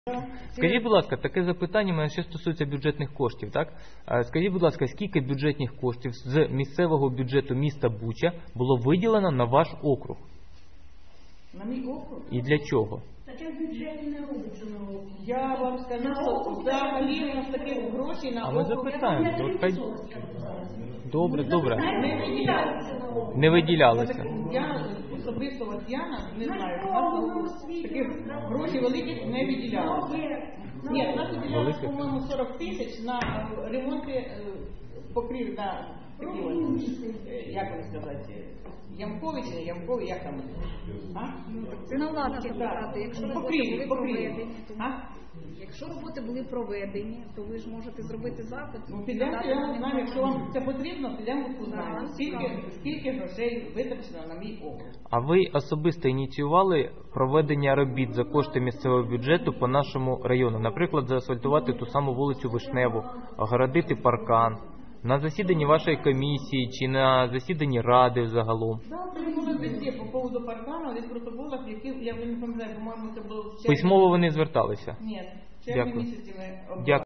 Скажіть, будь ласка, таке запитання мене ще стосується бюджетних коштів, так? Скажіть, будь ласка, скільки бюджетних коштів з місцевого бюджету міста Буча було виділено на ваш округ? На мій округ? І для чого? Таке в бюджеті не робиться на округ. Я вам скажу, що взагалі у нас таких грошей на А ми округ запитаємо. Добре. не виділялися на округ. Не виділялися. Я особисто Латвіяна не знаю, у нас таких грошей великих не виділялося. Ні, у нас виділялося, по-моєму, 40 тисяч на ремонти покрів на такі, як вам сказати, ямкові чи не ямкові, як там? Це наладки сказати. Якщо роботи були проведені, якщо роботи були проведені, то ви ж можете зробити запит. Ну, підемо, я знаю, якщо вам це потрібно, підемо узнаємо, скільки грошей витрачено на мій округ. А ви особисто ініціювали проведення робіт за кошти місцевого бюджету по нашому району? Наприклад, заасфальтувати ту саму вулицю Вишневу, огородити паркан? На засіданні вашої комісії чи на засіданні ради загалом? Це було везде по поводу паркану, десь в протоколах, які, я вже не пам'ятаю, по-моєму, це було в червні. Письмово вони зверталися? Ні, в червні місяці ми Дякую.